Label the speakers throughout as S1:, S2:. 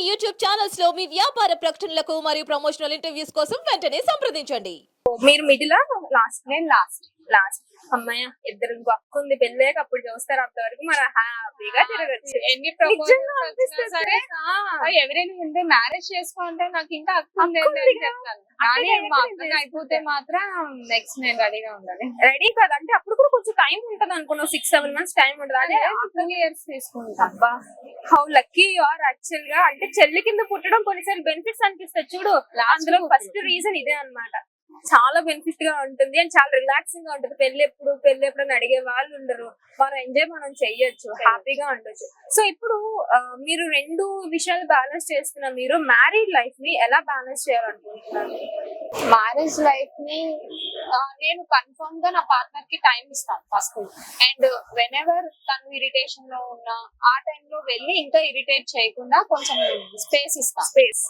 S1: YouTube channels లో మీ వ్యాపార ప్రకటనలకు మరియు ప్రమోషనల్ ఇంటర్వ్యూస్ కోసం వెంటనే సంప్రదించండి.
S2: మీరు మిడిల్ లాస్ట్? నేను లాస్ట్ అమ్మాయి ఇద్దరు అక్క ఉంది, పెళ్ళాక అప్పుడు చూస్తారు. అంతవరకు మనం హ్యాపీగా తిరగచ్చు.
S3: ఎన్ని ప్రపోజల్స్ సరే ఎవరైనా ముందే మ్యారేజ్ చేసుకోంటే నాకు ఇంకా అక్క ఉంది అని చెప్తాను. కానీ మా అక్కకి అయిపోతే మాత్రం నెక్స్ట్ నేను రెడీగా ఉండాలి.
S2: రెడీ కదా అంటే అప్పుడు కూడా కొంచెం టైం ఉంటది అనుకున్నావు. 6-7 months టైం ఉంటుంది. అదే
S3: 2 years తీసుకుంటా.
S2: అబ్బా how lucky you are actual గా. అంటే చెల్లి కింద పుట్టడం కొన్నిసార్లు బెనిఫిట్స్ అనిపిస్తుంది చూడు. అందులో ఫస్ట్ రీజన్ ఇదే అన్నమాట. చాలా బెనిఫిట్ గా ఉంటుంది అండ్ చాలా రిలాక్సింగ్ గా ఉంటుంది. పెళ్లి ఎప్పుడు అని అడిగే వాళ్ళు ఉండరు. మనం ఎంజాయ్ మనం చెయ్యొచ్చు, హ్యాపీగా ఉండొచ్చు. సో ఇప్పుడు మీరు రెండు విషయాలు బ్యాలెన్స్ చేస్తున్న మీరు మ్యారీడ్ లైఫ్ ని ఎలా బ్యాలెన్స్ చేయాలనుకుంటున్నారు?
S3: మ్యారేజ్ లైఫ్ ని నేను కన్ఫర్మ్ గా నా పార్ట్నర్ కి టైం ఇస్తాను ఫస్ట్. అండ్ వెన్ ఎవర్ తను ఇరిటేషన్ లో ఉన్నా ఆ టైంలో వెళ్ళి ఇంకా ఇరిటేట్ చేయకుండా కొంచెం స్పేస్ ఇస్తాను.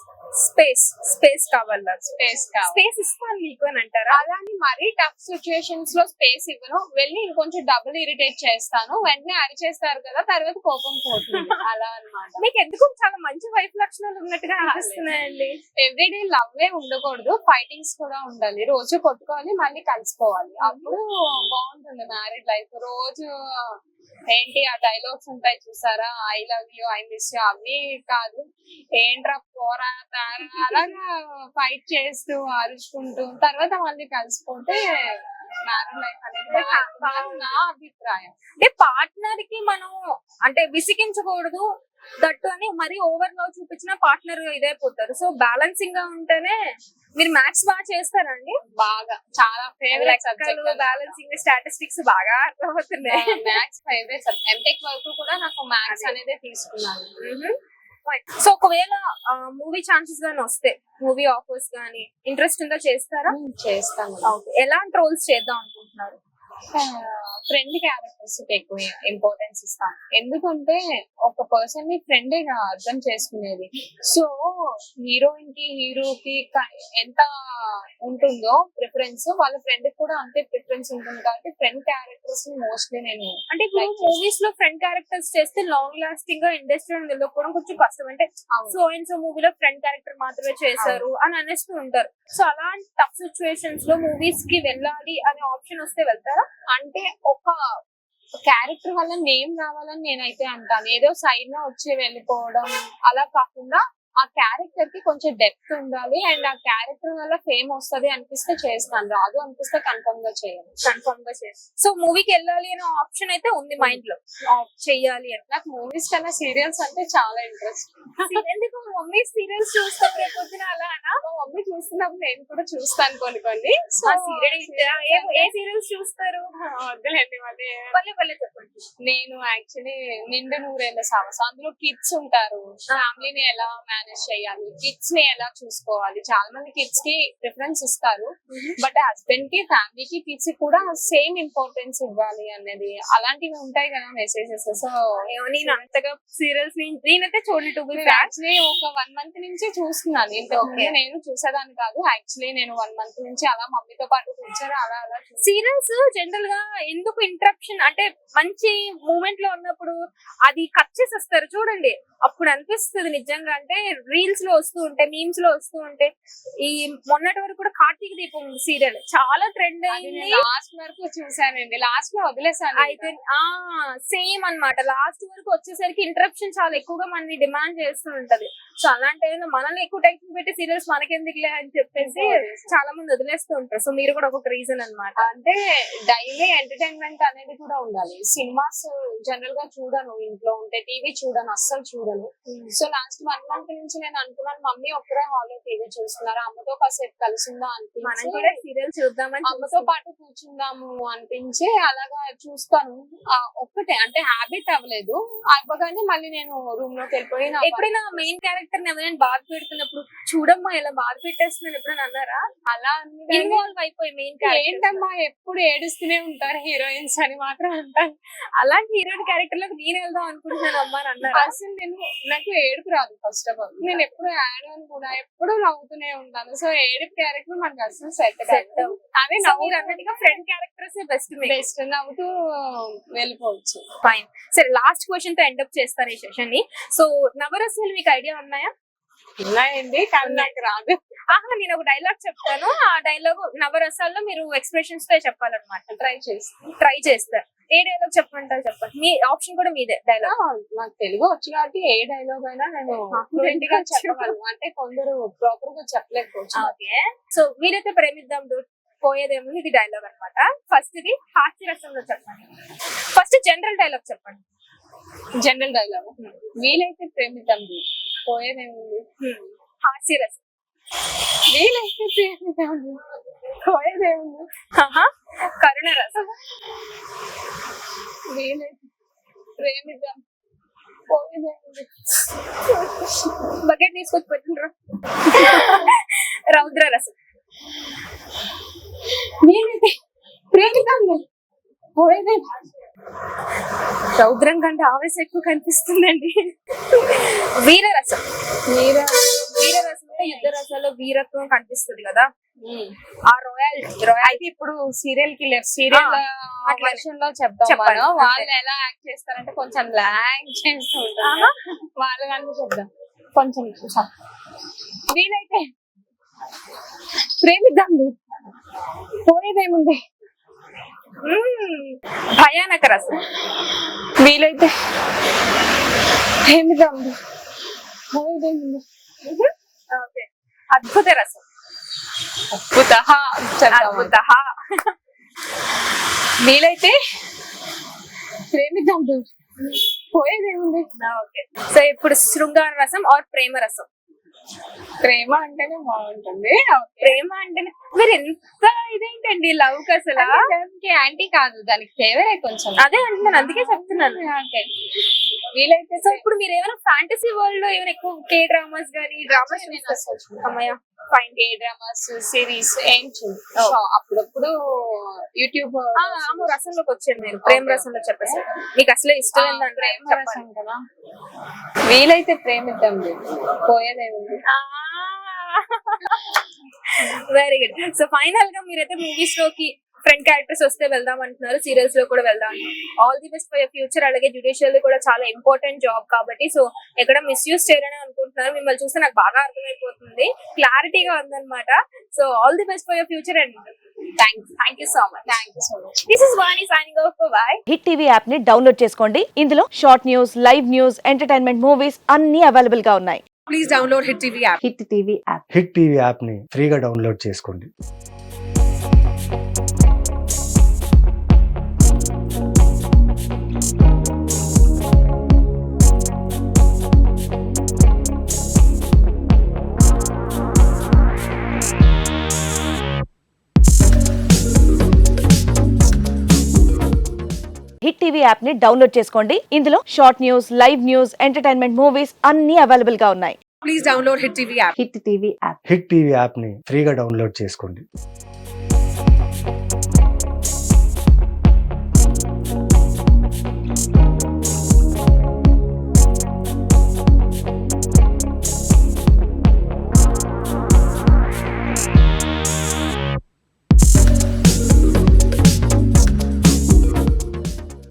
S2: స్పేస్ కావాలా?
S3: స్పేస్
S2: ఇస్తాను మీకు అని అంటారా?
S3: అలాని మరీ టఫ్ సిచ్యుయేషన్స్ లో స్పేస్ ఇవ్వను. వెళ్ళి ఇంకొంచెం డబుల్ ఇరిటేట్ చేస్తాను. వెంటనే అరిచేస్తారు కదా, తర్వాత కోపం పోతుంది. అలా అన్నమాట.
S2: మీకు ఎందుకు చాలా మంచి వైఫ్ లక్షణాలు ఉన్నట్టుగా అనిపిస్తున్నాయండి.
S3: ఎవ్రీడే లవ్ ఉండకూడదు, ఫైటింగ్స్ కూడా ఉండాలి. రోజు కొట్టుకోవాలి, మళ్ళీ కలిసిపోవాలి. అప్పుడు బాగుంటుంది మ్యారీడ్ లైఫ్. రోజు ఏంటి ఆ డైలాగ్స్ ఉంటాయి చూసారా, I love you, I miss you, అవి కాదు. ఏంట్రా పోరా తారా అలాగా ఫైట్ చేస్తూ అరుచుకుంటూ తర్వాత మళ్ళీ కలిసిపోతే మ్యారీడ్ లైఫ్ అనేది నా అభిప్రాయం.
S2: అంటే పార్ట్నర్ కి మనం అంటే విసిగించకూడదు దట్టు అని మరీ ఓవర్ లో చూపించిన పార్ట్నర్ ఇదైపోతారు. సో బ్యాలెన్సింగ్ గా ఉంటేనే. మీరు మ్యాథ్స్ బాగా చేస్తారండి?
S3: బాగా, చాలా ఫేవరెట్ సబ్జెక్ట్.
S2: బ్యాలెన్సింగ్ స్టాటిస్టిక్స్ బాగా అర్థమవుతున్నాయి.
S3: Maths favourite. ఎంటెక్ వరకు కూడా నాకు మ్యాథ్స్ అనేది తీసుకున్నాను.
S2: సో ఒకవేళ మూవీ ఛాన్సెస్ గానీ వస్తే, మూవీ ఆఫర్స్ గానీ ఇంట్రెస్ట్ ఉందా, చేస్తారా?
S3: చేస్తాను.
S2: ఎలాంటి రోల్స్ చేద్దాం అనుకుంటున్నారు?
S3: ఫ్రెండ్ క్యారెక్టర్స్ ఎక్కువ ఇంపార్టెన్స్ ఇస్తాను. ఎందుకంటే ఒక పర్సన్ ని ఫ్రెండ్ గా అర్థం చేసుకునేది. సో హీరోయిన్ కి హీరోకి ఎంత ఉంటుందో ప్రిఫరెన్స్, వాళ్ళ ఫ్రెండ్ కూడా అంతే ప్రిఫరెన్స్ ఉంటుంది. కాబట్టి ఫ్రెండ్ క్యారెక్టర్స్ మోస్ట్లీ నేను
S2: అంటే మూవీస్ లో ఫ్రెండ్ క్యారెక్టర్స్ చేస్తే లాంగ్ లాస్టింగ్ గా ఇండస్ట్రీ నిలబడుకోవడం కొంచెం కష్టం. అంటే సో అండ్ సో మూవీలో ఫ్రెండ్ క్యారెక్టర్ మాత్రమే చేశారు అని అనేస్తూ ఉంటారు. సో అలాంటి టఫ్ సిచ్యువేషన్స్ లో మూవీస్ కి వెళ్ళాలి అనే ఆప్షన్ వస్తే వెళ్తారా?
S3: అంటే ఒక క్యారెక్టర్ వల్ల నేమ్ రావాలని నేనైతే అంటాను. ఏదో సైడ్ లో వచ్చి వెళ్ళిపోవడం అలా కాకుండా ఆ క్యారెక్టర్ కి కొంచెం డెప్త్ ఉండాలి. అండ్ ఆ క్యారెక్టర్ వల్ల ఫేమ్ వస్తుంది అనిపిస్తే చేస్తాను, రాదు అనిపిస్తే కన్ఫర్మ్ గా చేయాలి.
S2: సో మూవీకి వెళ్ళాలి అనే ఆప్షన్ అయితే ఉంది మైండ్ లో, చెయ్యాలి అని.
S3: నాకు మూవీస్ కన్నా సీరియల్స్ అంటే చాలా ఇంట్రెస్ట్.
S2: ఎందుకు మమ్మీ సీరియల్స్ చూస్తాం రేపొద్దున అలా అనా?
S3: మమ్మీ చూస్తున్నప్పుడు నేను కూడా చూస్తాను కొన్ని.
S2: ఏ సీరియల్స్ చూస్తారు?
S3: వద్దులేండి
S2: మళ్ళీ చెప్పండి.
S3: నేను యాక్చువల్లీ నిండు నూరేళ్ళ సాహసం, అందులో కిడ్స్ ఉంటారు. ఫ్యామిలీని ఎలా మేనేజ్ చేయాలి, కిడ్స్ ని ఎలా చూసుకోవాలి. చాలా మంది కిడ్స్ కి ప్రిఫరెన్స్ ఇస్తారు, బట్ హస్బెండ్ కి, ఫ్యామిలీకి, కిడ్స్ కి కూడా సేమ్ ఇంపార్టెన్స్ ఇవ్వాలి అనేది అలాంటివి ఉంటాయి కదా మెసేజెస్. సో
S2: నేను అంతగా సీరియల్స్ నేనైతే చూడలేదు.
S3: యాక్చువల్లీ ఒక 1 month నుంచి చూస్తున్నాను. ఇంతకుముందు నేను చూసేదాన్ని కాదు. యాక్చువల్లీ నేను 1 month నుంచి అలా మమ్మీతో పాటు కూర్చొని అలా
S2: సీరియల్స్ జనరల్ గా ఎందుకు ఇంటరప్షన్ అంటే మంచి మూమెంట్ లో ఉన్నప్పుడు అది కట్ చేసేస్తారు చూడండి. అప్పుడు అనిపిస్తుంది నిజంగా. అంటే రీల్స్ లో వస్తూ ఉంటాయి, మీమ్స్ లో వస్తూ ఉంటాయి. ఈ మొన్నటి వరకు కూడా కార్తీక దీపం సీరియల్ చాలా ట్రెండ్ అయింది.
S3: లాస్ట్ వరకు చూసానండి, లాస్ట్ లో వదిలేసాను.
S2: అయితే సేమ్ అన్నమాట. లాస్ట్ వరకు వచ్చేసరికి ఇంటరప్షన్ చాలా ఎక్కువగా మనని డిమాండ్ చేస్తూ ఉంటది. సో అలాంటి మనల్ని ఎక్కువ టైం పెట్టి సీరియల్స్ మనకెందుకులే అని చెప్పేసి చాలా మంది వదిలేస్తూ ఉంటారు. సో మీరు కూడా ఒక రీజన్ అన్నమాట.
S3: అంటే డైలీ ఎంటర్టైన్మెంట్ అనేది కూడా ఉండాలి. సినిమాస్ జనరల్ గా చూడను, ఇంట్లో ఉంటే టీవీ చూడను, అస్సలు చూడను. సో లాస్ట్ 1 month నుంచి నేను అనుకున్నాను మమ్మీ ఒక్కరే హాల్లో టీవీ చూస్తున్నారు, అమ్మతో కాసేపు కలిసిందా అనిపించి
S2: సీరియల్ చూద్దామని
S3: అమ్మతో పాటు కూర్చుందాము అనిపించి అలాగా చూస్తాను. ఒక్కటే అంటే హ్యాబిట్ అవ్వలేదు. అవ్వగానే మళ్ళీ నేను రూమ్ లోకి వెళ్ళిపోయి
S2: ఎప్పుడైనా మెయిన్ క్యారెక్టర్ ఎవరైనా బాధ పెడుతున్నప్పుడు చూడమ్మా ఇలా బాధ పెట్టేస్తున్నాను ఎప్పుడైనా అన్నారా?
S3: అలా
S2: ఇన్వాల్వ్ అయిపోయి మెయిన్ క్యారెక్టర్
S3: ఏంటమ్మా ఎప్పుడు ఏడుస్తూనే ఉంటారు హీరోయిన్స్ అని మాత్రం అంటాను.
S2: అలాంటి హీరోయిన్ క్యారెక్టర్ లోకి నేను వెళ్దాం అనుకుంటున్నాను అమ్మా అని అన్నారు.
S3: అసలు నాకు ఏడుపు రాదు. ఫస్ట్ ఆఫ్ ఆల్ నేను ఎప్పుడు యాడ్ అని కూడా ఎప్పుడు నవ్వుతూనే ఉంటాను. సో ఏడుపు క్యారెక్టర్ మనకు అసలు సెట్
S2: అదే నవ్వు అన్నట్టుగా ఫ్రెండ్ క్యారెక్టర్స్ బెస్ట్
S3: నవ్వుతూ వెళ్ళిపోవచ్చు.
S2: ఫైన్. సరే లాస్ట్ క్వశ్చన్ తో ఎండ్ అప్ చేస్తాను ఈ సెషన్ ని. సో నవరసాలు మీకు ఐడియా ఉన్నాయా?
S3: ఉన్నాయండి కానీ నాకు రాదు.
S2: ఆహా, నేను ఒక డైలాగ్ చెప్తాను, ఆ డైలాగ్ నవరసాల్లో మీరు ఎక్స్ప్రెషన్స్ తో చెప్పాలన్నమాట. ట్రై చేస్తారు. ఏ డైలాగ్ చెప్పమంటారు చెప్పండి, మీ ఆప్షన్ కూడా మీదే డైలాగ్.
S3: నాకు తెలుగు వచ్చు కాబట్టి ఏ డైలాగ్ అయినా నేను fluent గా చెప్పగలను. అంటే కొందరు ప్రాపర్ గా చెప్పలేకపోవచ్చు.
S2: ఓకే, సో మీరైతే ప్రేమిద్దాం dude, పోయేదేముంది, ఇది డైలాగ్ అన్నమాట. ఫస్ట్ ఇది హాస్యరసంలో చెప్పండి. ఫస్ట్ జనరల్ డైలాగ్ చెప్పండి.
S3: జనరల్ డైలాగ్ వీలైతే ప్రేమిద్దాం పోయేదేముంది.
S2: హాస్యరసం.
S3: వీలైతే ప్రేమిద్దాం పోయేదేముంది.
S2: కరుణ రసం.
S3: వీలైతే ప్రేమిద్దాం పోయేదేముంది.
S2: బకెట్ తీసుకొచ్చి పెట్టిండ్రు. రౌద్ర రసం.
S3: వీలైతే ప్రేమిద్దాం పోయేదేముంది.
S2: రౌద్రం కంటే ఆవేశం ఎక్కువ కనిపిస్తుందండి. వీరరసం. వీరరసం అంటే యుద్ధ రసాల్లో వీరత్వం కనిపిస్తుంది కదా, ఆ రాయల్టీ.
S3: అయితే ఇప్పుడు సీరియల్ కిల్లర్ సీరియల్ వర్షన్ లో చెప్తాం
S2: చెప్పండి.
S3: మనం. వాళ్ళు ఎలా యాక్ట్ చేస్తారంటే కొంచెం లాగ్ చేస్తూ ఉంటారు. వాళ్ళ కనుక చెప్దాం కొంచెం చూసా. వీలైతే ప్రేమిద్దాం పోయేదేముంది.
S2: భయానక రసం.
S3: వీలైతే ప్రేమిద్దాం పోయేదేముంది.
S2: ఓకే. అద్భుత రసం.
S3: అద్భుత
S2: అద్భుత.
S3: వీలైతే ప్రేమిద్దాం పోయేదేముంది.
S2: ఓకే, సో ఇప్పుడు శృంగార రసం ఆర్ ప్రేమ రసం.
S3: ప్రేమ అంటేనే బాగుంటుంది.
S2: ప్రేమ అంటేనే మీరు ఎంత ఇదేంటండి లవ్ కి అసలు.
S3: యాంటీ కాదు, దానికి ఫేవరే కొంచెం.
S2: అదే అంటున్నాను, అందుకే చెప్తున్నాను.
S3: వీలైతే
S2: సో ఇప్పుడు మీరు ఏమైనా ఫ్యాంటసీ వరల్డ్ లో ఏమైనా ఎక్కువ కే డ్రామాస్ గానీ డ్రామాస్ అమ్మయ్య ఫైన్.
S3: కే డ్రామాస్ సిరీస్ ఏం చూడు. అప్పుడప్పుడు యూట్యూబ్
S2: ఆమె రసంలోకి వచ్చారు మీరు, ప్రేమ రసంలో చెప్పేసి మీకు అసలే ఇష్టం ఏంటంటే
S3: ప్రేమ రసం కదా. వీలైతే ప్రేమిద్దాం పోయేదేముంది.
S2: Very good. సో ఫైనల్ గా మీరైతే మూవీస్ లోకి ఫ్రెండ్ క్యారెక్టర్స్ వస్తే వెళ్దాం అంటున్నారు, సీరియల్స్ లో కూడా వెళ్దాం. All the best for your future. అలాగే జ్యుడిషియల్ కూడా చాలా ఇంపార్టెంట్ జాబ్ కాబట్టి సో ఎక్కడ మిస్యూజ్ చేయాలని అనుకుంటున్నారు. మిమ్మల్ని చూస్తే నాకు బాగా అర్థమైపోతుంది, క్లారిటీగా ఉందన్నమాట. So all the best for your future and thank you so much. This is Vani signing off. Bye.
S1: Hit TV app ని డౌన్లోడ్ చేసుకోండి. ఇందులో short news, live news, entertainment movies అన్ని అవైలబుల్ గా ఉన్నాయి.
S4: Please download Hit TV app.
S1: Hit TV app.
S5: Hit TV యాప్ని ఫ్రీగా download చేసుకోండి.
S1: Hit TV app ని డౌన్లోడ్ చేసుకోండి. ఇందులో short news, live news, entertainment movies అన్ని అవైలబుల్ గా ఉన్నాయి.
S4: Please download Hit TV app.
S1: Hit TV app.
S5: Hit TV యాప్ని ఫ్రీగా డౌన్లోడ్ చేసుకోండి.